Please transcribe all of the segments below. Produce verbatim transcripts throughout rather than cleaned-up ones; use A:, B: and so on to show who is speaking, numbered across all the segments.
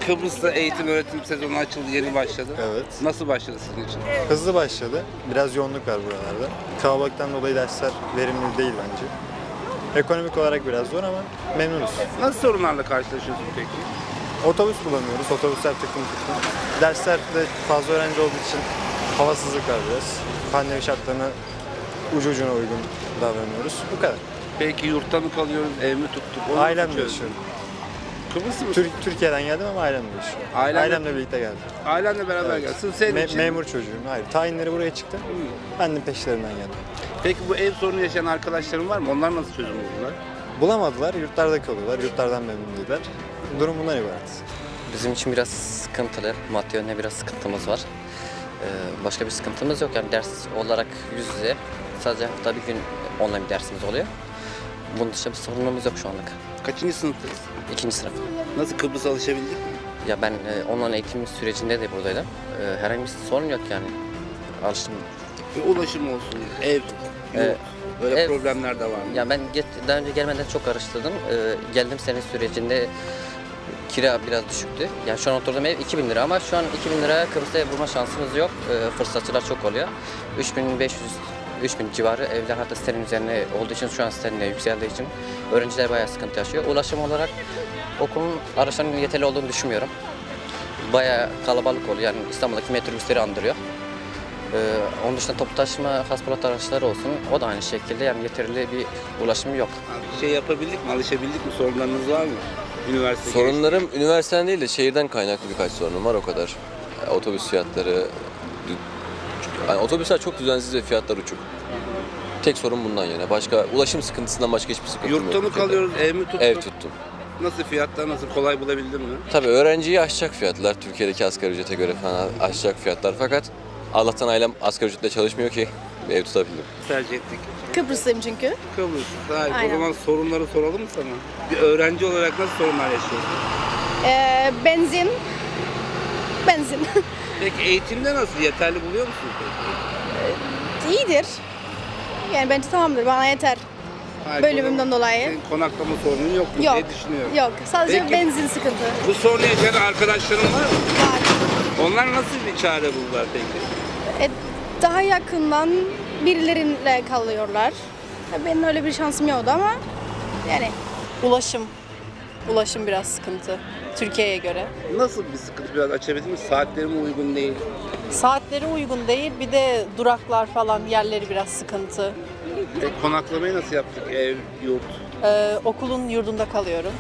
A: Kıbrıs'ta eğitim öğretim sezonu açıldı, yeni başladı.
B: Evet.
A: Nasıl başladı sizin için?
B: Hızlı başladı. Biraz yoğunluk var buralarda. Kalabalıktan dolayı dersler verimli değil bence. Ekonomik olarak biraz zor ama memnunuz.
A: Nasıl sorunlarla karşılaşıyorsunuz peki?
B: Otobüs bulamıyoruz. Otobüsler tıklım tıklım. Derslerde fazla öğrenci olduğu için havasızlık var biraz. Pandemi şartlarına ucu ucuna uygun davranıyoruz. Bu kadar.
A: Peki yurtta mı kalıyoruz, ev mi tuttuk? Onu nasıl
B: Ailemle
A: çözdün?
B: yaşıyorum.
A: Kıbrıs'ı mı?
B: Tür- Türkiye'den geldim ama ailemle yaşıyorum.
A: Ailenle-
B: Ailemle birlikte geldim.
A: Ailenle beraber
B: Evet.
A: gelsin. Senin
B: Me-
A: için...
B: memur çocuğum. Hayır. Tayinleri buraya çıktı. Ben de peşlerinden geldim.
A: Peki bu ev sorunu yaşayan arkadaşların var mı? Onlar nasıl çözüm buldular?
B: Bulamadılar. Yurtlarda kalıyorlar. Yurtlardan memnun değiller. Durum bundan ibaret.
C: Bizim için biraz sıkıntılı, maddi yönde biraz sıkıntımız var. Ee, başka bir sıkıntımız yok yani ders olarak yüz yüze sadece hafta bir gün online bir dersimiz oluyor. Bunun dışında bir sorunumuz yok şu anlık.
A: Kaçıncı sınıftayız?
C: İkinci sınıf.
A: Nasıl Kıbrıs'a alışabildik mi?
C: Ya ben e, online eğitim sürecinde de buradaydım. E, herhangi bir sorun yok yani. Alıştım.
A: Bir ulaşım olsun, ev, yurt,
C: Ee,
A: böyle
C: ev-
A: problemler de var mı?
C: Ya ben get, daha önce gelmeden çok araştırdım. E, geldim sene sürecinde kira biraz düşüktü. Yani şu an oturduğum ev iki bin lira ama şu an iki bin liraya Kıbrıs'ta ev bulma şansımız yok. E, fırsatçılar çok oluyor. üç bin beş yüz üç bin civarı evler hatta sitenin üzerine olduğu için şu an sitenin de yükseldiği için öğrenciler bayağı sıkıntı yaşıyor. Ulaşım olarak okulun araçlarının yeterli olduğunu düşünmüyorum. Bayağı kalabalık oluyor. Yani İstanbul'daki metrobüsleri andırıyor. Ee, onun dışında toplu taşıma, haspalat araçları olsun. O da aynı şekilde yani yeterli bir ulaşım yok.
A: Şey yapabildik mi, alışabildik mi? Sorunlarınız var mı? Üniversite
D: Sorunlarım üniversiteden değil de şehirden kaynaklı birkaç sorunum var o kadar. Yani otobüs fiyatları, dü- yani otobüsler çok düzensiz ve fiyatlar uçuk. Tek sorun bundan yana. Başka ulaşım sıkıntısından başka hiçbir sıkıntım yok.
A: Yurtta mı
D: Türkiye'de.
A: kalıyoruz, ev mi tuttuk?
D: Ev tuttum.
A: Nasıl fiyatlar, nasıl kolay bulabildin mi?
D: Tabii öğrenciyi aşacak fiyatlar. Türkiye'deki asgari ücrete göre falan aşacak fiyatlar. Fakat Allah'tan ailem asgari ücretle çalışmıyor ki bir ev tutabildim.
A: Tercih ettik.
E: Kıbrıslıyım çünkü.
A: Kıbrıs. Hayır, o
E: Aynen.
A: zaman sorunları soralım mı sana? Bir öğrenci olarak nasıl sorunlar yaşıyorsun?
E: Ee, benzin. Benzin.
A: Peki eğitimde nasıl? Yeterli buluyor musun peki?
E: İyidir. Yani bence tamamdır. Bana yeter.
A: Hayır,
E: Bölümümden
A: o zaman
E: dolayı.
A: Senin konaklama sorunun yok mu
E: Yok.
A: diye düşünüyorum.
E: Yok. Sadece
A: Peki-
E: benzin sıkıntı.
A: Bu sorunu yaşayan arkadaşların var mı?
E: Var.
A: Onlar nasıl bir çare buldular peki?
E: E, daha yakından birileriyle kalıyorlar. Ya benim öyle bir şansım yoktu ama yani ulaşım. Ulaşım biraz sıkıntı Türkiye'ye göre.
A: Nasıl bir sıkıntı, biraz açabilir misin? Saatleri mi uygun değil?
E: Saatleri uygun değil. Bir de duraklar falan yerleri biraz sıkıntı.
A: Peki konaklamayı nasıl yaptık? Ev, yurt.
E: Ee, okulun yurdunda kalıyorum.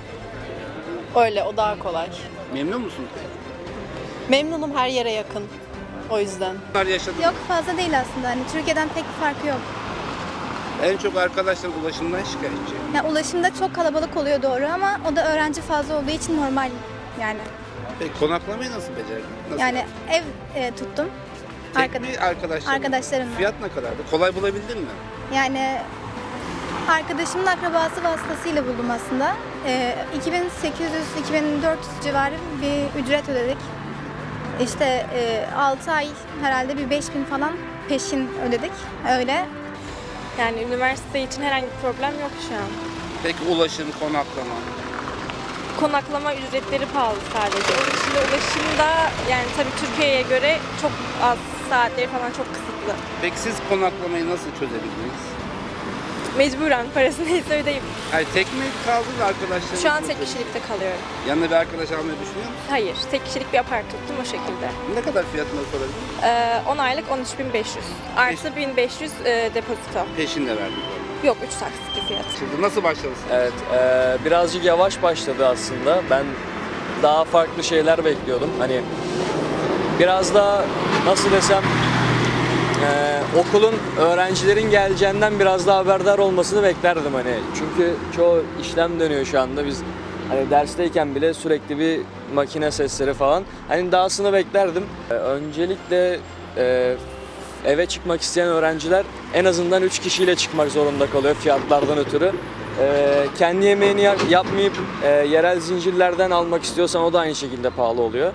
E: Öyle, o daha kolay.
A: Memnun musun?
E: Memnunum, her yere yakın. O yüzden.
A: Bunlar yaşadın.
F: Yok, fazla değil aslında. Hani Türkiye'den pek bir farkı yok.
A: En çok arkadaşlar ulaşımdan şikayetçi.
F: Yani ulaşımda çok kalabalık oluyor doğru ama o da öğrenci fazla olduğu için normal yani.
A: Peki konaklamayı nasıl becerdin? Nasıl?
F: Yani ev e, tuttum.
A: Tek
F: Arkada-
A: mi arkadaşlarım?
F: arkadaşlarımla.
A: Fiyat ne kadardı? Kolay bulabildin mi?
F: Yani arkadaşımın akrabası vasıtasıyla buldum aslında. E, iki bin sekiz yüz iki bin dört yüz civarı bir ücret ödedik. İşte e, altı ay herhalde bir beş bin falan peşin ödedik. Öyle.
G: Yani üniversite için herhangi bir problem yok şu an.
A: Peki ulaşım, konaklama.
G: Konaklama ücretleri pahalı sadece. Onun dışında ulaşımda yani tabii Türkiye'ye göre çok az, saatleri falan çok kısıtlı.
A: Peki siz konaklamayı nasıl çözebildiniz?
G: Mecburen parası neyse ödeyip.
A: Hayır, tek mi kaldınız arkadaşlarınız?
G: Şu an tek kişilikte kalıyorum.
A: Yanına bir arkadaş almayı düşünüyor musun?
G: Hayır, tek kişilik bir apart tuttum o şekilde.
A: Ne kadar fiyatını sorabilir miyim?
G: Ee, on aylık on üç bin beş yüz. Artı bin beş yüz e, depozito.
A: Peşin de verdik.
G: Yok, üç taksitli fiyat.
A: Şimdi nasıl başladınız?
H: Evet, eee, birazcık yavaş başladı aslında. Ben daha farklı şeyler bekliyordum. Hani biraz daha nasıl desem eee, okulun öğrencilerin geleceğinden biraz daha haberdar olmasını beklerdim hani. Çünkü çoğu işlem dönüyor şu anda. Biz hani dersteyken bile sürekli bir makine sesleri falan. Hani dahasını beklerdim. Eee, öncelikle eee eve çıkmak isteyen öğrenciler en azından üç kişiyle çıkmak zorunda kalıyor fiyatlardan ötürü. Ee, kendi yemeğini ya- yapmayıp e, yerel zincirlerden almak istiyorsan o da aynı şekilde pahalı oluyor.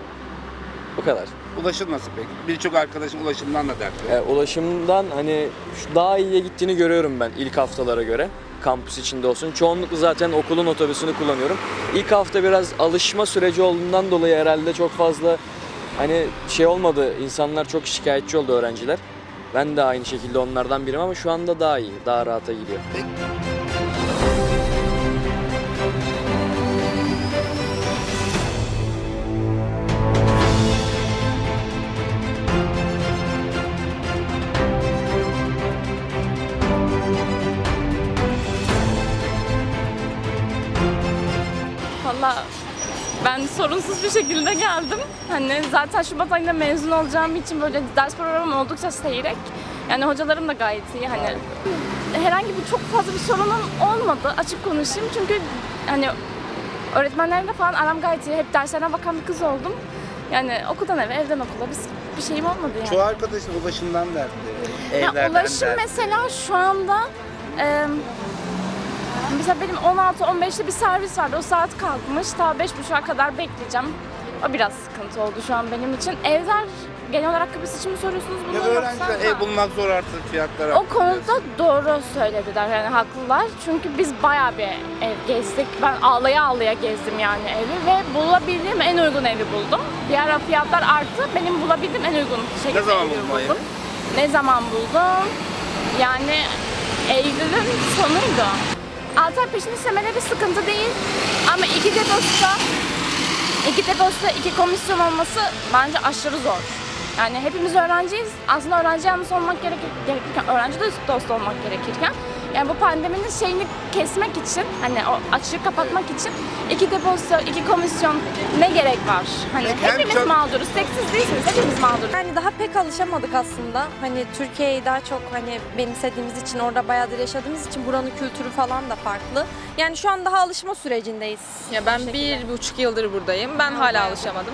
H: Bu kadar.
A: Ulaşım nasıl peki? Birçok arkadaşım ulaşımdan da dertli.
H: Ee, ulaşımdan hani şu daha iyiye gittiğini görüyorum ben ilk haftalara göre. kampüs içinde olsun. Çoğunlukla zaten okulun otobüsünü kullanıyorum. İlk hafta biraz alışma süreci olduğundan dolayı herhalde çok fazla hani şey olmadı. İnsanlar çok şikayetçi oldu, öğrenciler. Ben de aynı şekilde onlardan biriyim ama şu anda daha iyi, daha rahata gidiyor.
I: Valla ben sorunsuz bir şekilde geldim. Hani zaten Şubat ayında mezun olacağım için böyle ders programım oldukça seyrek. Yani hocalarım da gayet iyi. Hani herhangi bir çok fazla bir sorunum olmadı. Açık konuşayım çünkü hani öğretmenlerimle falan aram gayet iyi. Hep derslerine bakan bir kız oldum. Yani okuldan eve, evden okula biz bir şeyim olmadı yani.
A: Çoğu arkadaşın ulaşımdan dertli.
I: Ya
A: Evlerden
I: ulaşım
A: dertli.
I: mesela şu anda e, mesela benim on altı on beşte bir servis vardı. O saat kalkmış. Ta beş buçuğa kadar bekleyeceğim. O biraz sıkıntı oldu şu an benim için. Evler genel olarak Kıbrıs için mi soruyorsunuz bunu
A: Ya
I: yoksa?
A: öğrenciler ev bulmak zor artık, fiyatlar
I: O
A: arttı
I: konuda
A: biliyorsun.
I: doğru söylediler, yani haklılar. Çünkü biz bayağı bir ev gezdik. Ben ağlaya ağlaya gezdim yani evi ve bulabildiğim en uygun evi buldum. Bir ara fiyatlar arttı. Benim bulabildiğim en uygun şekilde
A: Ne zaman
I: evi
A: buldun o evi?
I: buldum. Ne zaman buldum? Yani Eylül'ün sonuydu. Altı ay peşin istemeleri sıkıntı değil. Ama iki deposta, iki deposta iki komisyon olması bence aşırı zor. Yani hepimiz öğrenciyiz. Aslında öğrenci yanlısı olmak gerekir, gerekirken, öğrenci de dost olmak gerekirken. Yani bu pandeminin şeyini kesmek için, hani o açığı kapatmak için iki depozito, iki komisyon ne gerek var? Hani
A: Hem
I: hepimiz
A: çok-
I: mağduruz, tek siz değilsiniz, hepimiz mağduruz.
G: Yani daha pek alışamadık aslında. Hani Türkiye'yi daha çok hani benimsediğimiz için, orada bayağıdır yaşadığımız için buranın kültürü falan da farklı. Yani şu an daha alışma sürecindeyiz.
J: Ya ben bir buçuk yıldır buradayım. Ben hala alışamadım.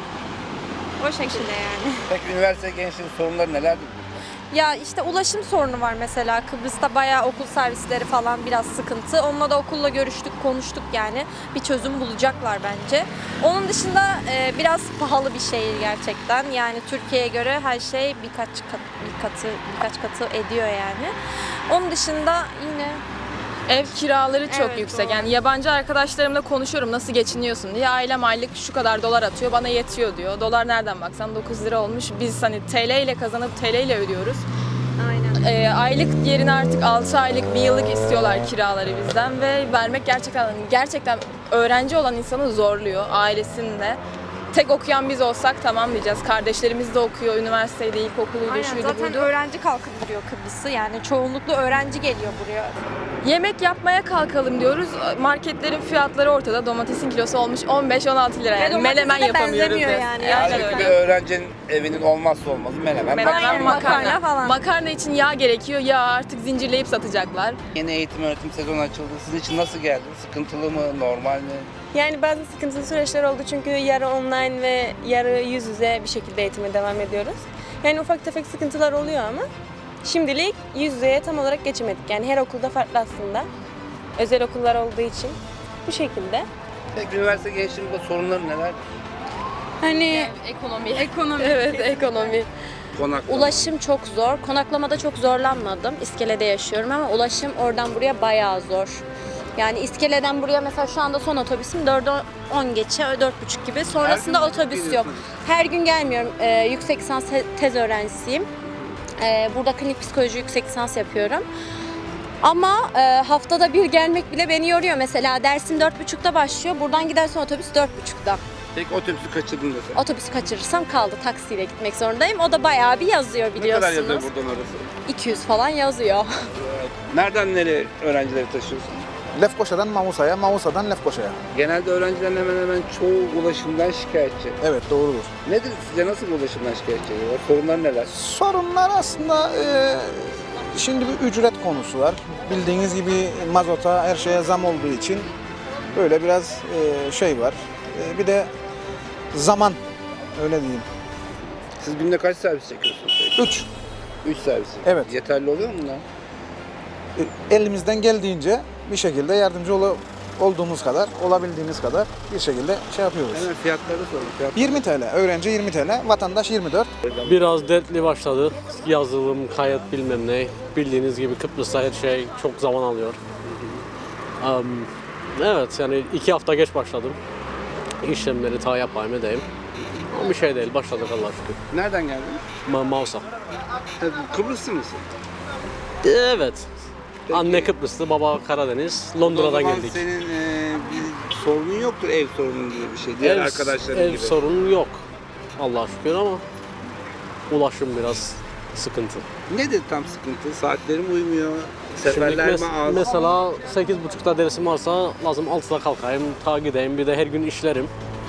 G: O şekilde yani.
A: Peki üniversite gençliğin sorunları nelerdir?
G: Ya işte ulaşım sorunu var mesela. Kıbrıs'ta bayağı okul servisleri falan biraz sıkıntı. Onunla da okulla görüştük, konuştuk yani. Bir çözüm bulacaklar bence. Onun dışında e, biraz pahalı bir şehir gerçekten. Yani Türkiye'ye göre her şey birkaç kat, bir katı, birkaç katı ediyor yani. Onun dışında yine
J: Ev kiraları çok
G: Evet,
J: yüksek.
G: doğru.
J: Yani yabancı arkadaşlarımla konuşuyorum nasıl geçiniyorsun diye. Ailem aylık şu kadar dolar atıyor, bana yetiyor diyor. Dolar nereden baksan dokuz lira olmuş. Biz hani T L ile kazanıp T L ile ödüyoruz.
G: aynen.
J: Ee, aylık yerine artık altı aylık, bir yıllık istiyorlar kiraları bizden ve vermek gerçekten gerçekten öğrenci olan insanı zorluyor, ailesini de. Tek okuyan biz olsak tamam diyeceğiz. Kardeşlerimiz de okuyor, üniversiteydi, ilkokuluydu,
G: Aynen
J: şuydu,
G: zaten
J: buydu.
G: öğrenci kalkındırıyor Kıbrıs'ı. Yani çoğunlukla öğrenci geliyor buraya.
J: Yemek yapmaya kalkalım diyoruz. Marketlerin fiyatları ortada. Domatesin kilosu olmuş on beş on altı lira.
G: Ve
J: Yani
G: domatese
J: menemen
G: de
J: yapamıyoruz.
G: benzemiyor
J: biz.
G: yani.
J: Aynen
A: Halbuki bir
J: öyle.
A: öğrencinin evinin olmazsa olmazı menemen.
J: Menemen,
G: Aynen,
J: makarna.
G: makarna falan.
J: Makarna için yağ gerekiyor. Yağ artık zincirleyip satacaklar.
A: Yeni eğitim öğretim sezonu açıldı. Sizin için nasıl geldi? Sıkıntılı mı? Normal mi?
K: Yani bazı sıkıntılı süreçler oldu çünkü yarı online ve yarı yüz yüze bir şekilde eğitime devam ediyoruz. Yani ufak tefek sıkıntılar oluyor ama şimdilik yüz yüzeye tam olarak geçemedik. Yani her okulda farklı aslında. Özel okullar olduğu için bu şekilde.
A: Peki üniversite gençliğinde sorunları neler?
K: Hani
J: Ekonomi.
K: ekonomi. Evet, ekonomi.
A: Konaklama.
L: Ulaşım çok zor. Konaklamada çok zorlanmadım. İskele'de yaşıyorum ama ulaşım oradan buraya bayağı zor. Yani İskele'den buraya mesela şu anda son otobüsüm dörde on geçe, dört buçuk gibi. Sonrasında
A: Her gün
L: otobüs yok.
A: geliyorsunuz.
L: Her gün gelmiyorum. Ee, yüksek lisans te- tez öğrencisiyim. Ee, burada klinik psikoloji yüksek lisans yapıyorum. Ama e, haftada bir gelmek bile beni yoruyor. Mesela dersim dört buçukta başlıyor. Buradan gidersen otobüs dört buçukta.
A: Peki otobüsü kaçırdın desem.
L: Otobüsü kaçırırsam kaldı. Taksiyle gitmek zorundayım. O da bayağı bir yazıyor
A: Ne
L: biliyorsunuz.
A: kadar yazıyor buradan orası?
L: iki yüz falan yazıyor.
A: Nereden nereye öğrencileri taşıyorsun?
M: Lefkoşa'dan Mamusa'ya, Mamusa'dan Lefkoşa'ya.
A: Genelde öğrencilerin hemen hemen çoğu ulaşımdan şikayetçi.
M: Evet, doğrudur.
A: Nedir sizce, nasıl bir ulaşımdan şikayetçi ediyorlar? Sorunlar neler?
M: Sorunlar aslında e, şimdi bir ücret konusu var. Bildiğiniz gibi mazota, her şeye zam olduğu için böyle biraz e, şey var. E, bir de zaman, öyle diyeyim.
A: Siz günde kaç servis çekiyorsunuz?
M: Üç.
A: Üç servis.
M: Evet.
A: Yeterli oluyor mu bunlar?
M: E, elimizden geldiğince bir şekilde yardımcı ol, olduğumuz kadar, olabildiğimiz kadar bir şekilde şey yapıyoruz.
A: Hemen fiyatları sorun. Fiyatları.
M: yirmi TL, öğrenci yirmi TL, vatandaş yirmi dört.
N: Biraz dertli başladı. Yazılım, kayıt bilmem ne. Bildiğiniz gibi Kıbrıs'ta her şey çok zaman alıyor. Am, evet yani iki hafta geç başladım. İşlemleri ta yapayım edeyim. Ama bir şey değil, başladık Allah'a şükür.
A: Nereden geldin?
N: Ma Mausa.
A: Tabii, Kıbrıslı mısın?
N: Evet.
A: Peki.
N: Anne Kıbrıslı, baba Karadeniz. Londra'dan
A: O zaman
N: geldik.
A: senin e, bir sorunun yoktur, ev sorunun gibi bir şey. Diğer
N: ev,
A: arkadaşların
N: ev
A: gibi.
N: sorunu yok. Allah'a şükür ama ulaşım biraz sıkıntı.
A: Nedir tam sıkıntı? Saatlerim uymuyor,
N: Şimdi
A: seferler
N: mes-
A: mi az?
N: mesela sekiz buçukta dersim varsa lazım altıda kalkayım, ta gideyim. Bir de her gün işlerim.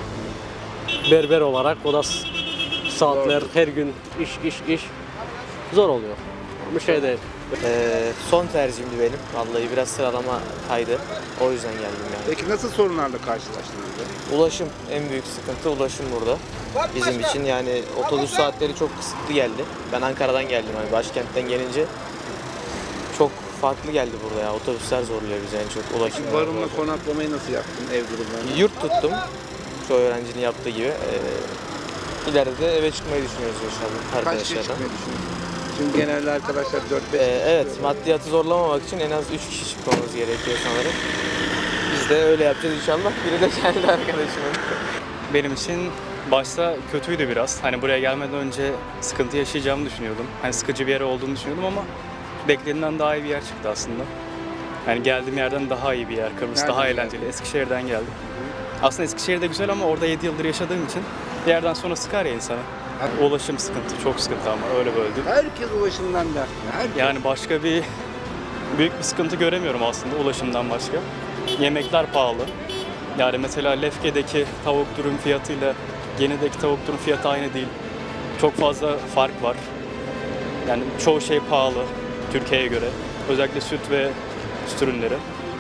N: Berber olarak o da s- saatler, her gün iş iş iş zor oluyor. Bir şey değil.
O: Ee, son tercihimdi benim. Vallahi biraz sıralama kaydı. O yüzden geldim yani.
A: Peki nasıl sorunlarla karşılaştınız?
O: Ulaşım en büyük sıkıntı, ulaşım burada. Bizim için yani otobüs saatleri çok kısıtlı geldi. Ben Ankara'dan geldim, hani başkentten gelince çok farklı geldi burada ya. Otobüsler zorluyor bizi en çok, ulaşım.
A: Peki barınma, konaklamayı nasıl yaptın, ev durumlarını?
O: Yurt tuttum. Çoğu öğrencinin yaptığı gibi. Ee, ileride de eve çıkmayı düşünüyoruz inşallah
A: Kaç kişi
O: arkadaşlarla.
A: çıkmayı düşünüyorsun? Çünkü genelde arkadaşlar dört beş
O: Ee, evet, maddiyatı zorlamamak için en az üç kişi çıkmamız gerekiyor sanırım. Biz de öyle yapacağız inşallah. Biri de kendi arkadaşımın.
P: Benim için başta kötüydü biraz. Hani buraya gelmeden önce sıkıntı yaşayacağımı düşünüyordum. Hani sıkıcı bir yer olduğunu düşünüyordum ama beklediğimden daha iyi bir yer çıktı aslında. Yani geldiğim yerden daha iyi bir yer. Kıbrıs
A: Nereden
P: daha
A: geldin?
P: eğlenceli. Eskişehir'den geldim. Aslında Eskişehir de güzel ama orada yedi yıldır yaşadığım için bir yerden sonra sıkar ya insana. Ulaşım sıkıntı, çok sıkıntı ama öyle böyle değil.
A: Herkes ulaşımdan dertli. Herkes.
P: Yani başka bir büyük bir sıkıntı göremiyorum aslında ulaşımdan başka. Yemekler pahalı. Yani mesela Lefke'deki tavuk dürüm fiyatıyla Yeni'deki tavuk dürüm fiyatı aynı değil. Çok fazla fark var. Yani çoğu şey pahalı Türkiye'ye göre. Özellikle süt ve süt ürünleri.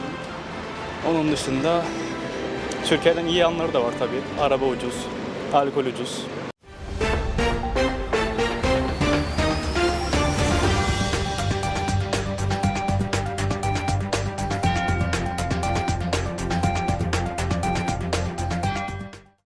P: Onun dışında Türkiye'den iyi yanları da var tabii. Araba ucuz, alkol ucuz.